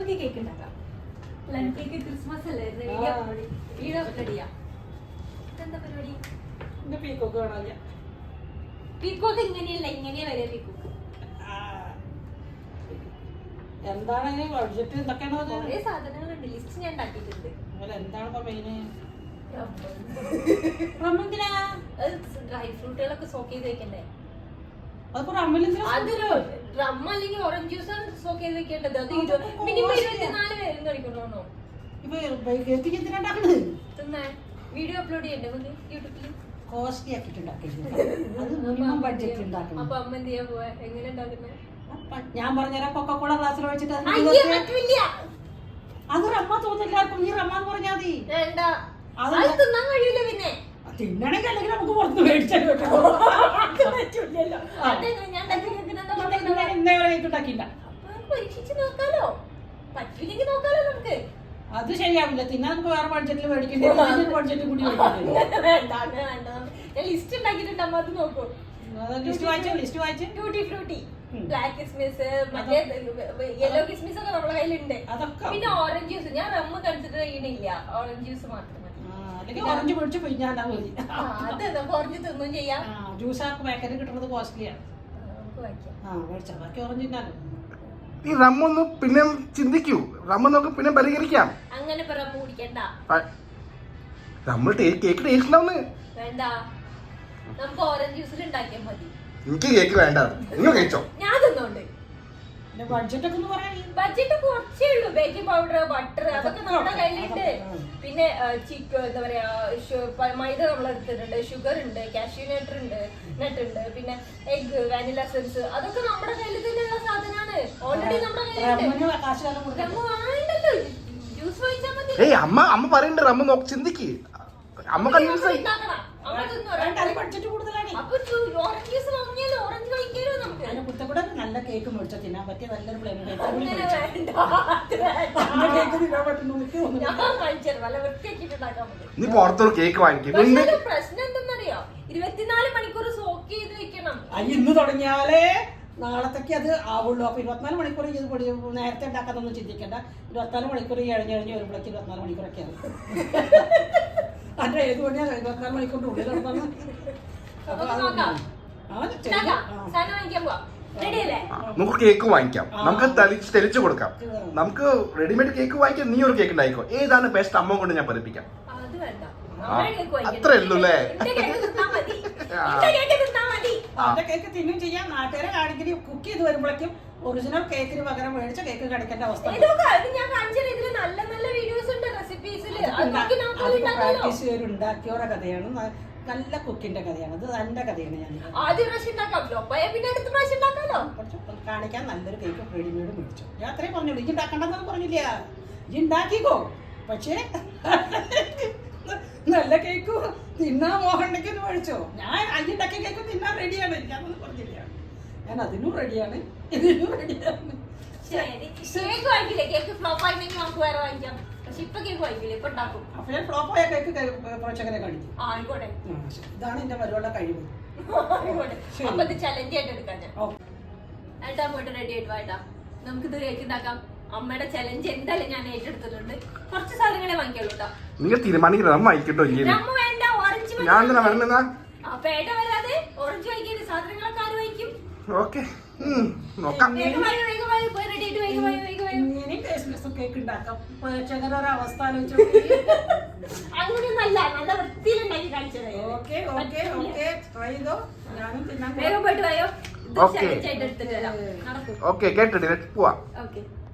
നമുക്ക് കേക്ക് ഉണ്ടാക്കാം. Plum cake Christmas അല്ലേ? റെഡിയാ. എന്താ പരിപാടി? പീക്കോക്ക് കാണാനില്ല. പീക്കോക്ക് ഇങ്ങനെയല്ല, ഇങ്ങനെയാ വരെ പീക്കോക്ക്. എന്താണ് ബഡ്ജറ്റ്? എന്തൊക്കെയാണ് കുറേ സാധനങ്ങളുണ്ട്, ലിസ്റ്റ് ഞാൻ ഉണ്ടാക്കിയിട്ടുണ്ട്. എന്താണ് ഇപ്പൊ മെയിന്? ഡ്രൈ ഫ്രൂട്ടുകളൊക്കെ സോക്ക് ചെയ്ത് വെക്കണ്ടേ? അതിപ്പോ റമ്മിലെന്തിനാ? അതൊരു റം അല്ലെങ്കിൽ ഓറഞ്ച് ജ്യൂസ് സോക്ക് ചെയ്ത് വെക്കേണ്ടത്. അത് മിനിമം 24 പേരും കഴിക്കണോ? തിന്നാ വീഡിയോ അപ്ലോഡ് ചെയ്യണ്ടേ നമുക്ക് യൂട്യൂബിൽ? കോസ്റ്റ്ലി ആക്കിട്ടുണ്ടാക്കിയിട്ടുണ്ട്. അത് മിനിമം ബഡ്ജറ്റ് ഉണ്ടാക്കണം. അപ്പൊ അമ്മ എന്ത് ചെയ്യാൻ പോവാ? എങ്ങനെ ഉണ്ടാക്കുന്നത്? ഞാൻ പറഞ്ഞുതരാം. കൊക്കക്കോള ഗ്ലാസ്സിൽ വെച്ചിട്ട് അത് റമ്മ തോന്നില്ലാർക്കും. നീ റമ്മ എന്ന് പറഞ്ഞാൽ മതി. തിന്നാൻ കഴിയൂല. പിന്നെ തിന്നണെങ്കിൽ അല്ലെങ്കിൽ നമുക്ക് പുറത്ത് മേടിച്ചാലും ഉണ്ടാക്കിയില്ല. പരീക്ഷിച്ച് നോക്കാലോ, പറ്റില്ലെങ്കിൽ നോക്കാലോ നമുക്ക്. അത് ശരിയാവില്ല. തിന്നാൻ നമുക്ക് വേറെ ബഡ്ജറ്റിൽ മേടിക്കേണ്ടി ബഡ്ജറ്റ് കൂടി ലിസ്റ്റ് ഉണ്ടാക്കിയിട്ടുണ്ട്. അമ്മ അത് നോക്കൂ. ലിസ്റ്റ് വായിച്ചു. ട്യൂട്ടി ഫ്രൂട്ടി, ബ്ലാക്ക് കിസ്മിസ്, മറ്റേ യെല്ലോ കിസ്മിസ് ഒക്കെ നമ്മുടെ കയ്യിലുണ്ട്. പിന്നെ ഓറഞ്ച് ജ്യൂസ്. ഞാൻ റമ്മ് കൺസിഡർ ചെയ്യണില്ല, ഓറഞ്ച് ജ്യൂസ് മാത്രം മതി. ഓറഞ്ച് പൊടിച്ച് പിഴിഞ്ഞാൽ മതി. അത് നമുക്ക് ഓറഞ്ച് തിന്നും ചെയ്യാം. ജ്യൂസ് ആർക്ക് പാക്കറ്റ് കിട്ടുന്നത് കോസ്റ്റ്ലിയാണ്. ബാക്കി ഓറഞ്ച് തിന്നാലോ. ഈ റമ്മൊന്ന് പിന്നെ ചിന്തിക്കൂ. റമ്മ നമുക്ക് പിന്നെ പരിഹരിക്കാം. അങ്ങനെ റമ്മ് കുടിക്കണ്ട. നമ്മൾ കേക്ക് ടേസ്റ്റ് ഉണ്ടാവുന്നേ വേണ്ട, നമുക്ക് ഓറഞ്ച് ജ്യൂസിൽ ഉണ്ടാക്കിയാൽ മതി. എനിക്ക് കേക്ക് വേണ്ട, നിങ്ങൾ കഴിച്ചോ. ഞാൻ തിന്നോണ്ട്. ബഡ്ജറ്റ് ഒക്കെ ബഡ്ജറ്റ് കുറച്ചേ ഉള്ളൂ. ബേക്കിംഗ് പൗഡർ, ബട്ടർ അതൊക്കെ നമ്മുടെ കയ്യിലുണ്ട്. പിന്നെ ചിക്കൻ എന്താ പറയാ, മൈദ നമ്മൾ എടുത്തിട്ടുണ്ട്, ഷുഗർ ഉണ്ട്, കാഷ്യൂ നട്ട് ഉണ്ട്, പിന്നെ എഗ്, വാനില എസൻസ്, അതൊക്കെ നമ്മുടെ കയ്യിൽ തന്നെയുള്ള സാധനമാണ്. ഓൾറെഡി നമ്മുടെ കയ്യിലുണ്ട്. ജ്യൂസ് വാങ്ങിച്ചാൽ മതി. അമ്മ പറയണ്ട റമ്മ നോക്ക്, ചിന്തിക്ക്. അമ്മ കൺവിൻസ് ആയി. നല്ല കേക്ക് മേടിച്ചാൽ തിന്നാൻ പറ്റിയ നല്ലൊരു പ്ലെയിൻ നീ പുറത്തൊരു കേക്ക് വാങ്ങിക്കും. പ്രശ്നം എന്തെന്നറിയോ? 24 മണിക്കൂർ സോക്ക് ചെയ്ത് വെക്കണം. ഇന്ന് തുടങ്ങിയാലേ നാളത്തേക്ക് അത് ആവുള്ളൂ. അപ്പൊ 24 മണിക്കൂർ ഇത് നേരത്തെ ഉണ്ടാക്കാന്നൊന്നും ചിന്തിക്കണ്ട. 24 മണിക്കൂർ കഴിഞ്ഞ് വരുമ്പോഴേക്ക് 24 മണിക്കൂറൊക്കെ ആവും. അല്ല ഏത് പണിയാ 24 മണിക്കൂറിന്റെ ഉള്ളിൽ നടന്നാണ്. നമുക്ക് കേക്ക് വാങ്ങിക്കാം. നമുക്ക് തെളിച്ചു കൊടുക്കാം. നമുക്ക് റെഡിമെയ്ഡ് കേക്ക് വാങ്ങിക്കാം. നീ ഒരു കേക്ക് ഉണ്ടായിക്കോ. ഏതാണ് ബെസ്റ്റ് അമ്മ കൊണ്ട് ഞാൻ പഠിപ്പിക്കാം. അത്രേ ഉള്ളൂ അല്ലേ? കേക്ക് തിന്നും ചെയ്യാം. നാട്ടുകാരെ കാണിക്കല് കുക്ക് ചെയ്ത് വരുമ്പോഴേക്കും ഒറിജിനൽ കേക്കിന് പകരം മേടിച്ച കേക്ക് കടിക്കേണ്ട അവസ്ഥ. ഉണ്ടാക്കിയോടെ കഥയാണ്. നല്ല കുക്കിന്റെ കഥയാണ്. ഇത് എന്റെ കഥയാണ്. കാണിക്കാൻ നല്ലൊരു കേക്ക് റെഡിമെയ്ഡ് മേടിച്ചു. ഞാൻ അത്രയും പറഞ്ഞുള്ളൂ. ഇജ്ജ് ഉണ്ടാക്കണ്ടെന്നൊന്നും പറഞ്ഞില്ല. ഇജ്ജ് ഉണ്ടാക്കിക്കോ. പക്ഷേ നല്ല കേക്ക് തിന്നാൻ മോഹണ്ടെങ്കിൽ മേടിച്ചോ. ഞാൻ അയ്യുണ്ടാക്കിയ കേക്ക് തിന്നാൻ റെഡിയാണ്. എനിക്കതൊന്നും പറഞ്ഞില്ല. ഞാൻ അതിനും റെഡിയാണ്, ഇതിനും റെഡിയാണ്. ഫ്ലോപ്പായ കേക്ക് പ്രേക്ഷകരെ കാണിക്കും. ഇതാണ് എന്റെ പരിപാടിയുടെ കഴിവ്. നമുക്കിത് കേക്ക് ഉണ്ടാക്കാം. അമ്മയുടെ ചലഞ്ച് എന്തായാലും ഞാൻ ഏറ്റെടുത്തിട്ടുണ്ട്. കുറച്ച് സാധനങ്ങളെ വാങ്ങിക്കുള്ളൂ കേട്ടോ. നിങ്ങൾ തീരുമാനിക്കണം. റമ്മ വാങ്ങിക്കട്ടോ. റമ്മ വേണ്ട, ഓറഞ്ച് ഞാൻ എന്തിനാ വേണമെന്നാ? പേട വരാതെ ഓറഞ്ച് വാങ്ങിക്കുന്ന സാധനങ്ങളൊക്കെ ആര് വാങ്ങിക്കും? ഓക്കെ, നോക്കാം. കേക്ക് ഉണ്ടാക്കാം. പ്രേക്ഷകരുടെ അവസ്ഥ ആലോചിച്ചു. അങ്ങനെയൊന്നല്ല, നല്ല വൃത്തിയിലുണ്ടാക്കി കാണിച്ചത്. ഓക്കെ ഓക്കെ ഓക്കെ, ട്രൈ ചെയ്തോ. ഞാനും തിന്നാൻ വേഗം പോയിട്ട് പോയോ. ഓക്കെ കേട്ടിട്ട് പോവാ. ഓക്കെ.